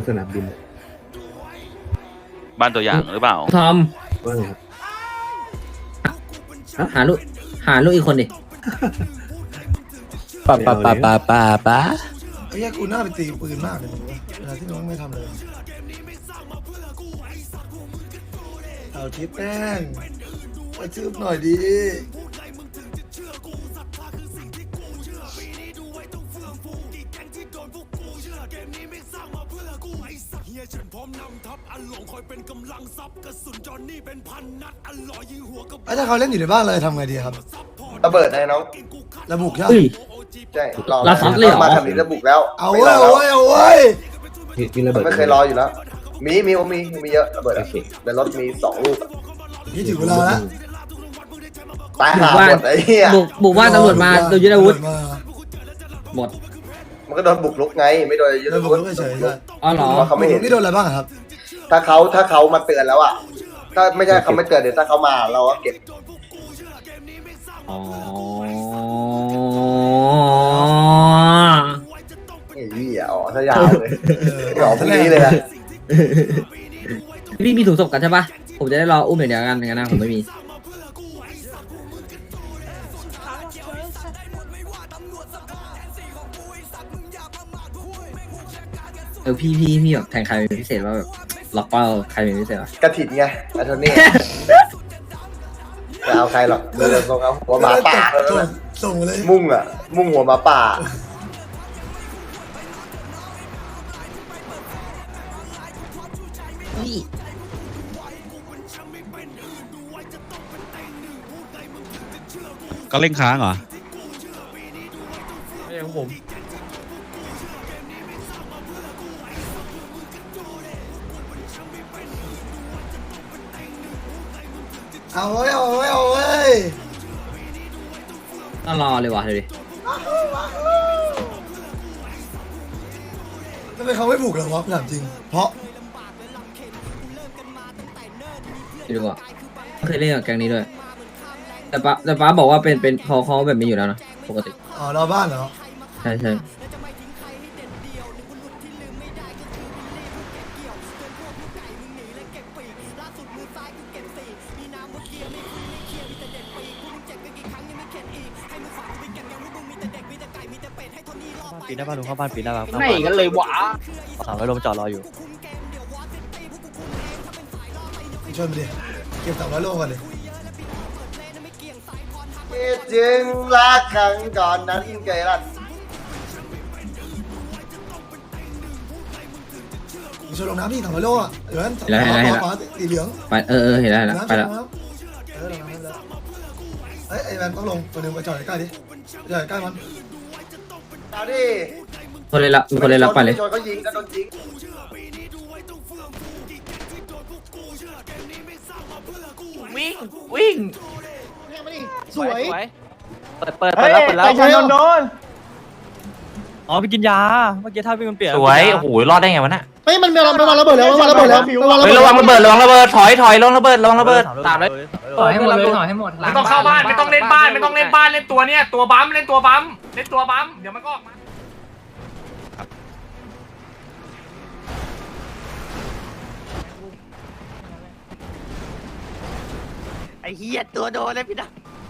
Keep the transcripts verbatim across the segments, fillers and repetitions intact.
สนามบินบ้านตัวอย่างหรือเปล่าทอมว่าไงครับหาลูกหาลูกอีกคนดิป้าป้าป้าป้าป้าป้าไอ้แย่กูน่าไปตีปืนมากเลยมึงเวลาที่น้องไม่ทำเลยเอาทิปแป้งไปชืบหน่อยดีถ้าเขาเล่นอยู่ในบ้านเลยทำไงดีครับระเบิดไงน้องระบุใช่ใช่รอเราซัดเลยเหรอมาทำนี้ระบุแล้วเอาเว้ยเอาเว้ยเอาเว้ยมีระเบิดไม่เคยรออยู่แล้วมีมีมีมีเยอะระเบิดในรถมีสองลูกนี่ถึงเวลาแล้วตายหาหมดไอ้เหี้ยบุกบุกว่าตำรวจมาโดยยึดอาวุธหมดมันก็โดนบุกรุกไงไม่โดนยึดอาวุธอ๋อเหรอเขาไม่เห็นนี่โดนอะไรบ้างครับถ้าเขาถ้าเขามาเตือนแล้วอ่ะถ้าไม่ใช่เขาไม่เตือนเดี๋ยวถ้าเขามาเราก็เก็บอ๋อไอ้เหี้ยอ๋อถ้ายาวเลยอ๋อพรุ่งนี้เลยนะพี่มีถุงศพกันใช่ปะผมจะได้รออุ้มอย่างเดียวกันงั้นนะผมไม่มีเออพี่พี่พี่แบบแทงใครเป็นพิเศษว่าแบบล็อกเป้าใครเป็นพิเศษวะกระถิ่นไงอันนี้จะเอาใครหรอกเดินตรงเอาหัวหมาป่าส่งเลยมุ่งอ่ะมุ่งหัวหมาป่าก็เล่นค้างเหรอไม่ใช่ของผมเอาเว้ยเอาเว้ยเอาเว้ยต้องรอเลยวะดูดิทำไมเขาไม่บุกหรอวะถามจริงเพราะดูก่อนเคยเล่นกับแก๊งนี้ด้วยแต่ป้าแต่ป้าบอกว่าเป็นเป็นเขาเขาแบบนี้อยู่แล้วนะปกติอ๋อเราบ้านเหรอใช่ใช่ปีนได้ป่ะลุงเข้าบ้านปีนได้ป่ะไม่กันเลยวะสามร้อยลมจอดรออยู่ชนไปดิเก็บสามร้อยโลก่อนดิจึงรักครั้งก่อนนั้นเกลัดชนลงน้ำพี่สามร้อยโลอ่ะเดี๋ยวนั้นเห็นแล้วเห็นแล้วเห็นแล้วสีเหลืองไปเออเออเห็นแล้วเห็นแล้วไปแล้วเอ้ยไอ้แมนต้องลงตัวนึงไปจอดใกล้ดิจอดใกล้มันเอาดิคนเลยละมีคนเลยละไปเลยชนเขายิงก็โดนยิงวิ่งวิ่งสวยเปิดเปิดเปิดแล้วเปิดแล้วไปโดนโดนอ๋อไปกินยาเมื่อกี้ท่าพี่มันเปลี่ยนสวยโอ้โหรอดได้ไงวะน่ะเฮ้ยมันมีมันมันระเบิดแล้วมันระเบิดแล้วเฮ้ยระวังระเบิดระวังระเบิดถอยถอยลงระเบิดลงระเบิดตามเลยถอยให้หมดเลยถอยให้หมดไม่ต้องเข้าบ้านไม่ต้องเล่นบ้านไม่ต้องเล่นบ้านเล่นตัวเนี้ยตัวบั๊มเล่นตัวบั๊มเล่นตัวบั๊มเดี๋ยวมันก็ออกมาไอ้เหี้ยตัวโดนเลยพี่ดา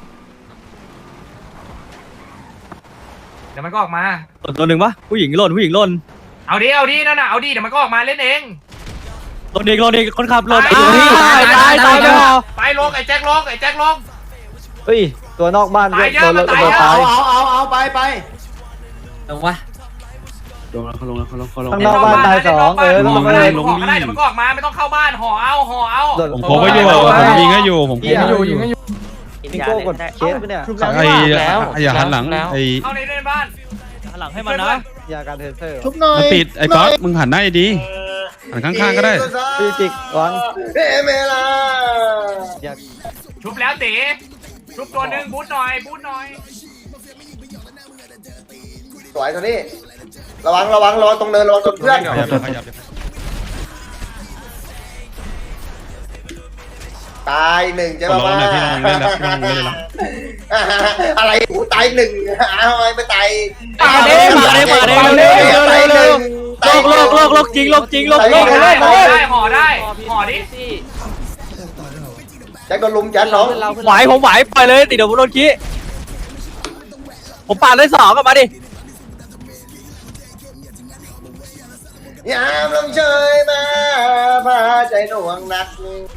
เดี๋ยวมันก็ออกมาตัวหนึ่งปะผู้หญิงหล่นผู้หญิงหล่นเอาดิเอาดินั่นน่ะเอาดิเดี๋ยวมันก็ออกมาเล่นเองหล่นเองหล่นเองคนขับหล่นตายตายตายตายลงไอ้แจ็คลงไอ้แจ็คลงเฮ้ยตัวนอกบ้านตายเยอะมันตายเยอะเอาเอาเอาเอาไปไปลงวะลงแล้วเขาลงแล้วเขาลงเขาลงข้างนอกบ้านตายสองเออลงมาได้ลงมาได้เดี๋ยวมันก็ออกมาไม่ต้องเข้าบ้านห่อเอาห่อเอาผมผมก็อยู่ผมยิงก็อยู่ผมยิงก็อยู่ยิงก็อยู่พี่โก้กดเคสไปเนี่ยไอ้อย่าหันหลังไอ้เข้าในในบ้านหันหลังให้มันนะยาการเทเซอร์ชุบหน่อยมันติดไอ้ป๊อปมึงหันหน้าดีหันข้างๆก็ได้พี่จิกวางเฮ้เมล่าชุบแล้วตีชุบตัวหนึ่งบูทหน่อยบูทหน่อยสวยตัวนี้ระวังระวังระวังตรงเนินระวังตรงเพื่อนตายหนึ่งใช่ไหมว่าอะไรกูตายหนึ่งเอาไงไปตายมาเด้มาเด้มาเด้มาเด้ตายหนึ่งตกโลกโลกโลกจริงโลกจริงโลกห่โลอก ได้โลกห่อโลกได้ห่อได้ห่อดิจะตายได้เหรอวะแจ็คโดนลุมแจ็คน้องไหวผมไหวปล่อยเลยติดเดี๋ยวผมโดนขี้ผมปาดได้สองกลับมาดิยามลมเชยมาพาใจหน่วงหนัก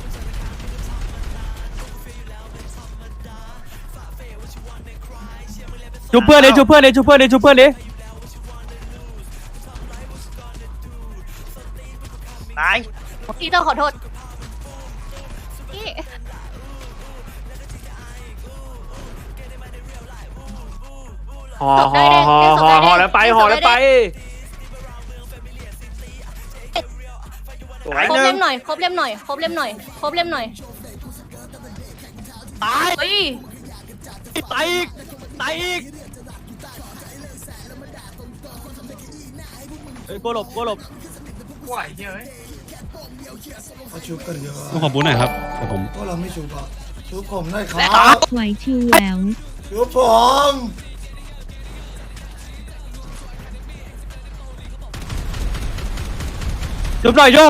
ชุบเพื่อนดิชุบเพื่อนดิชุบเพื่อนดิชุบเพื่อนดิตายพี่ต้องขอโทษพี่ห่อห่อห่อห่อห่อแล้วไปห่อแล้วไปครบเล่มหน่อยครบเล่มหน่อยครบเล่มหน่อยครบเล่มหน่อยตายเฮ้ยตายอีกตายอีกเฮ้ยโกหลบโกหลบไหวเยอะเขาชุบกันเยอะต้องขอบูธหน่อยครับเดี๋ยวผมพวกเราไม่ชุบอ่ะชุบผมได้ครัและบไหวชิวแหววชุบผมชุบหน่อยโยก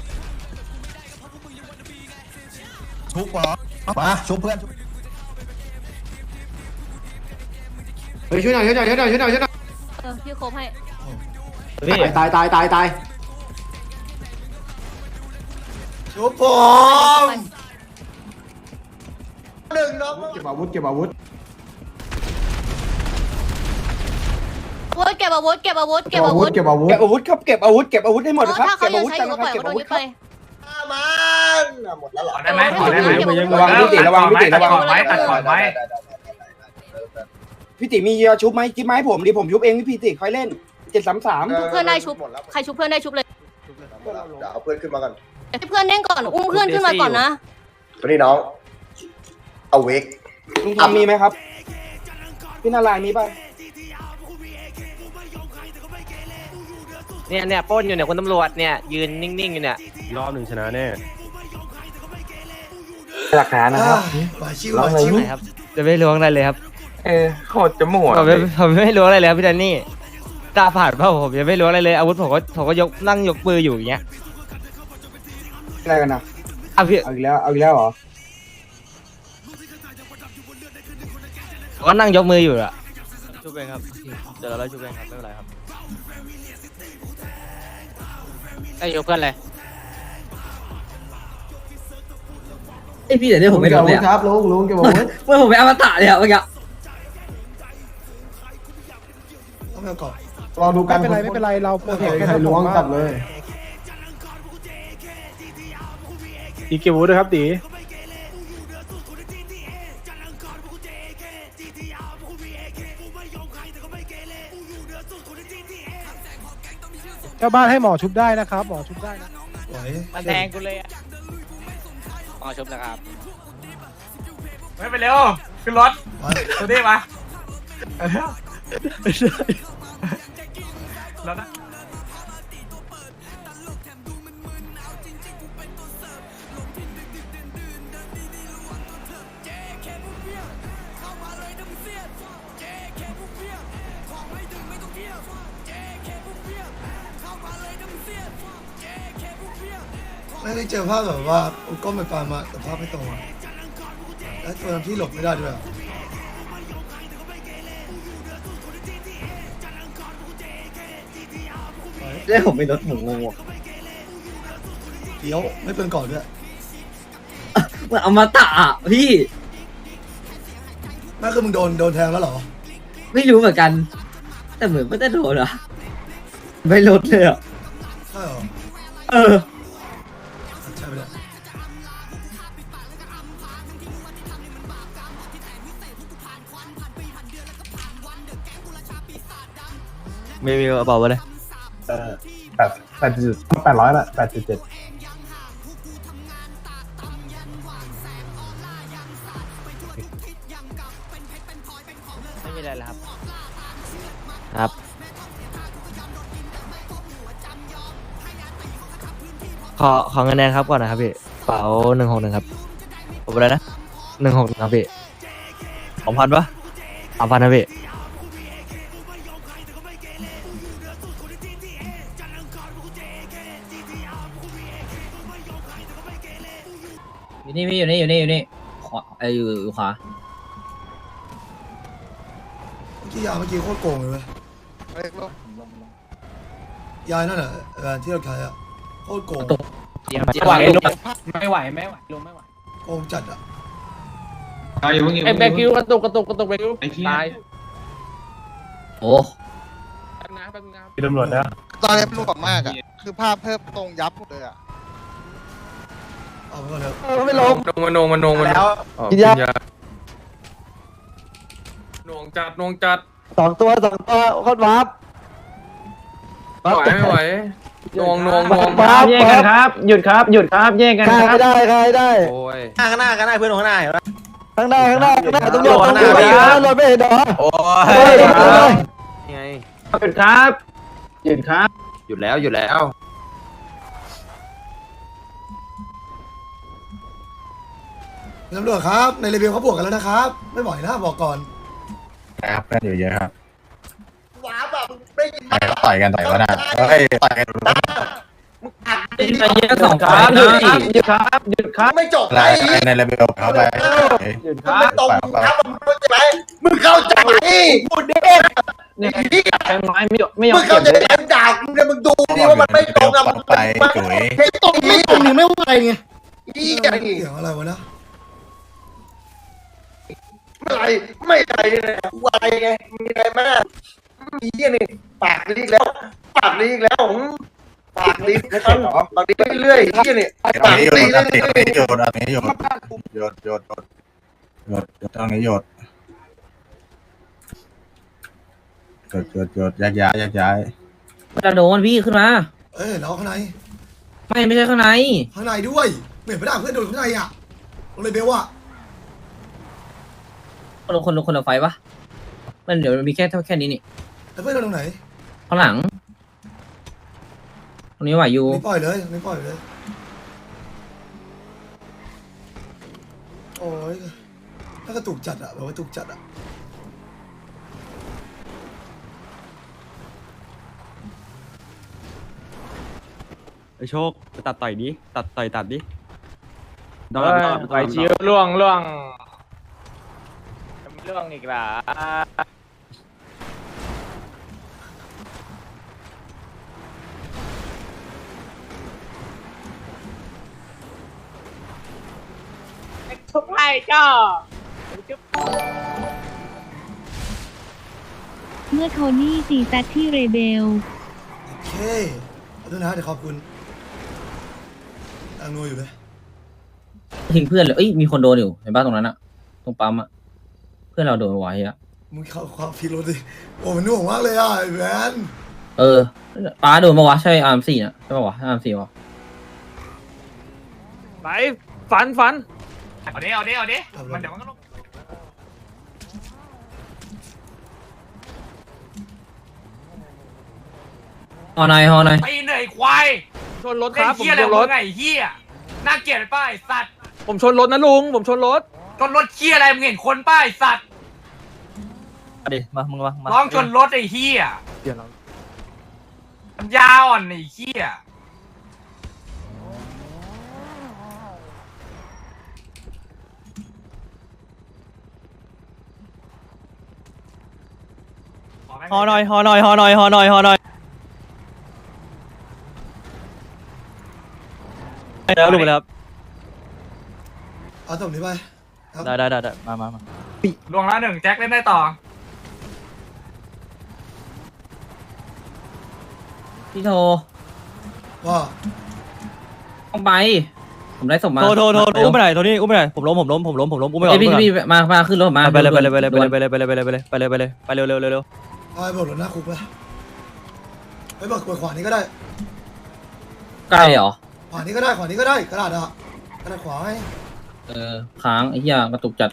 ชุบเหรอมาชุบเพื่อนเฮ้ยช่วยหน่อยช่วยหน่อยช่วยหน่อยช่วยหน่อยช่วยหน่อยเออพี่ครบให้ตายตายตายตายชุบผมหนึ่งน้องเก็บอาวุธเก็บอาวุธอาวุธเก็บอาวุธเก็บอาวุธเก็บอาวุธเก็บอาวุธเก็บอาวุธครับเก็บอาวุธเก็บอาวุธให้หมดเออนะครับถ้าเขาเก็บยัอาง วุธใช้กันอยู่นะก็คปรัล่บอยเก็บเขาอาโดวุนธยึดครับไปได้ไหมห่อได้ไหมระวังพี่ติระวังพี่ติระวังตัดก่อนไว้ตัดก่อนไว้พี่ติมียาชุบไหมจิ๊บไหมผมดิผมชุบเองพี่ติค่อยเล่นเจ็ดสามสามชุบเพื่อนได้ชุบใครชุบเพื่อนได้ชุบเลยเดี๋ยวเอาเพื่อนขึ้นมาก่อนให้เพื่อนเล่นก่อนอุ้มเพื่อนขึ้นมาก่อนนะตัวนี้น้องเอาเวกลุงทำมีไหมครับ พี่นารายณ์มีป่ะเนี่ยเนี่ยปล้นอยู่เนี่ยคนตำรวจเนี่ยยืนนิ่งๆอยู่เนี่ยรอบหนึ่งชนะแน่หลักฐานนะครับไหวชิวไหวชิวครับจะไม่ล้วงอะไรเลยครับเออโคตรจะหมดผมไม่ผมไม่ล้วงอะไรเลยครับพี่แดนนี่ตาผ่านเปล่าผมยังไม่ล้วงอะไรเลยอาวุธผมก็ผมก็ยกนั่งยกปืนอยู่อย่างเงี้ยอะไรกันนะอ่ะพี่เอาอีกแล้วเอาอีกแล้วเหรอก็นั่งยกมืออยู่อะชุบเองครับเดี๋ยวเราไล่ชุบเองครับไม่เป็นไรครับไอ้อยู่เพื่อนเลยไอพี่เดี๋ยวนี้ผมไม่โดนเลยครับลุงลุงเก็บอาวุธเมื่อผมไปอมตะเลยอะเมื่อกี้ต้องเอาก่อนรอดูกันไม่เป็นไรไม่เป็นไรเราโปรเทคใครล้วงจับเลยอีกเก็บอาวุธด้วยครับตีเจ้าบ้านให้หมอชุบได้นะครับหมอชุบได้นะไหวมันแทงกูเลยอะอ๋อชุบนะครับไม่ไปเร็วขึ้นรถไหวตัวนี้มาแล้วนะไม่ได้เจอภาพแบบว่าอุก้มไปปามาแต่ภาพไม่ตรงอะแล้วตัวนั้นที่หลบไม่ได้ด้วยอะเรื่องผมไม่ลดหมูงงเดี๋ยวไม่เป็นก่อนด้วยเหมือนอมตะอะพี่นั่นคือมึงโดนโดนแทงแล้วเหรอไม่รู้เหมือนกัน แต่เหมือนไม่ได้โดนอะไม่ลดเลยอะใช่เหรอเออใช่ไปแล้วไม่มีกระเป๋าเลยแปดแปดจุดแปดร้อยละแปดจุดเจ็ดไม่มีอะไรแล้วครับครับขอขอเงินแดงครับก่อนนะครับพี่เป๋าหนึ่งหกหนึ่งครับผมอะไรนะหนึ่งหกครับพี่สองพันปะสามพันนะพี่นี่พี่อยู่นี่อยู่นี่อยู่นี่ขวาไออยู่อยู่ขวาเมื่อกี้ยาเมื่อกี้โคตรโกงเลยเว้ยยายนั่นแหละเออที่เราขายอะโคตรโกงไม่ไหวลุงไม่ไหวไม่ไหวลุงไม่ไหวโกงจัดอะไอ้แบกิวกระตุกกระตุกกระตุกแบกิวตายโอ้พี่ตำรวจนะตอนนี้รูปแบบมากอ่ะคือภาพเพิ่มตรงยับหมดเลยอ่ะเอาไปก่อนเลยไม่ลงมันนงมันนงมันแล้วกินยาหน่วงจัดหน่วงจัดสองตัวสองตัวโคตรวาร์ปไม่ไหวไม่ไหวหน่วงหน่วงหน่วงวาร์ปแยกกันครับ หยุดครับหยุดครับแยกกันฆ่าครัไม่บได้ฆ่าไม่ได้โอ้ยข้างหน้าข้างหน้าเพื่อนข้างหน้าเห็นไหมข้างหน้าข้างหน้าข้างหน้าตำรวจข้างหตำน้ารวจพี่ตำรวจไม่เห็นเหรอโอ้เฮ้ยยเฮ้ยไงหยุดครับหยุดครับหยุดแล้วหยุดแล้วตำรวจครับในรีวิวเขาบวกกันแล้วนะครับ ไม่ไหวนะบอกก่อนครับเพื่อนอยู่เยอะครับว้าแบบได้ยินไหมต่อยกันต่อยกันนะเฮ้ยต่อยกันไอ้เหี้ยสองคฝ่ารัยบหยุดนะครับหยุดครับหยุดครับไม่จบอะไรไอ้ในระเบียบเขาไปหยุดคมึงรัไม่บตรงครับมึงเข้าใจไหมมึงเข้าใจไหมพูดดิเนี่ยใช้ไม้ไม่ยอมไม่ยอมึมงเก็เข้าบใจเลยไหมด่ากูเนี่ยมึงดูดิว่ามันไม่ตรงอ่ะมึงไปจุ๋ยไม่ตรงไม่ตรงนี่ไม่ไหวไงอีกอย่างเสียงอะไรวะนะไม่ไรไม่ไรเนี่ยกูอะไรไงมีอะไรไหมอีกนี่ปากดีแล้วปากดีแล้วปากดีปากดีเรื่อยๆอีกนี่ตรงปากนี้โยดีนเรื่ตรงนี้อยโยนตรงนี้โยนโยนโยนโยนโยนตรงนี้โยนโยนโยนโยนแยกย้ายแยกย้ายจะโดนพี่ขึ้นมาเอ้ยเราข้างในไม่ไม่ใช่ข้างในข้างในด้วยเหมือนไปด่าเพื่อนโดนข้างในอะลงเลยเบลอะคนละคนละคนละไฟปะมันเดี๋ยวมันมีแค่เท่าแค่นี้นี่แล้วเพื่อนโดนตรงไหนข้างหลังตรงนี้ไหวอยู่นี่ปล่อยเลยนี่ปล่อยเลยโอ้ยถ้ากระตุกจัดอะแบบว่ากระตุกจัดอะไอโชคตัดต่อยดิตัดต่อยตัดดิไปชิวล่วงล่วงล่วงอีกแล้ว ทุกไอ้เจ้าเมื่อโทนี่ตีแซดที่เรเบลโอเคขอโทษนะเดี๋ยวขอบคุณอังนูอยู่เลยทิ้งเพื่อนเลยเอ้ยมีคนโดนอยู่เห็นป่ะตรงนั้นอะตรงปั๊มอะเพื่อนเราโดนไว้อะมึงเข้าความพิรุธดิโอ้มันหน่วงมากเลยอ่ะไอ้แมนเออป้าโดนปะวะใช่อาร์มสี่นะใช่ปะวะอาร์มสี่วะไปฝันฝันเอาดิเอาดิเอาดิมันเดี๋ยวมันก็ลงฮอนายฮอนายตีเหนื่อยควายชนรถครับผมชนรถไงเฮียน่าเกลียดป้ายสัตว์ผมชนรถนะลุงผมชนรถชนรถเฮียอะไรมึงเห็นคนป้ายสัตว์มาดิมามึงมามาน้องชนรถไอ้เฮียเดี๋ยวเรายาอ่อนไอ้เฮียฮอหน่อยฮอหน่อยฮอหน่อยฮอหน่อยฮอหน่อยแล้วลุงไปแล้วเอาตรงนี้ไปครับได้ได้ได้ได้มามามาลวงละหนึ่งแจ็คเล่นได้ต่อพี่โทว่าต้องไปผมได้ส่งมาโทษโทษโทษอุ้มไปไหนโทนี่อุ้มไปไหนผมล้มผมล้มผมล้มผมล้มอุ้มไปก่อเอ้ยนพี่อุ้มไปพี่ก่อนมามาขึ้นรถมาไปเลยไปเลยไปเลยไปเลยไปเลยไปเลยไปเลยไปเลยไปเลยไปเลยไปเร็วเร็วเร็วเร็วเอาไปบอกรถหน้าคุกไปไปบอกเปิดขวานี้ก็ได้ใกล้เหรอขวานี้ก็ได้ขวานี้ก็ได้กระดาษอะกระดาษขวาไงเออค้างไอ้เหี้ยกระตุกจัด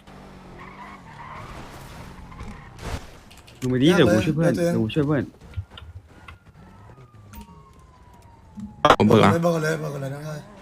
ดูไปดิเดี๋ยวกูช่วยเพื่อนเดี๋ยวกูช่วยเพื่อนผมบอเบื่กอเลยบอกเลยบอกเลยนะใช่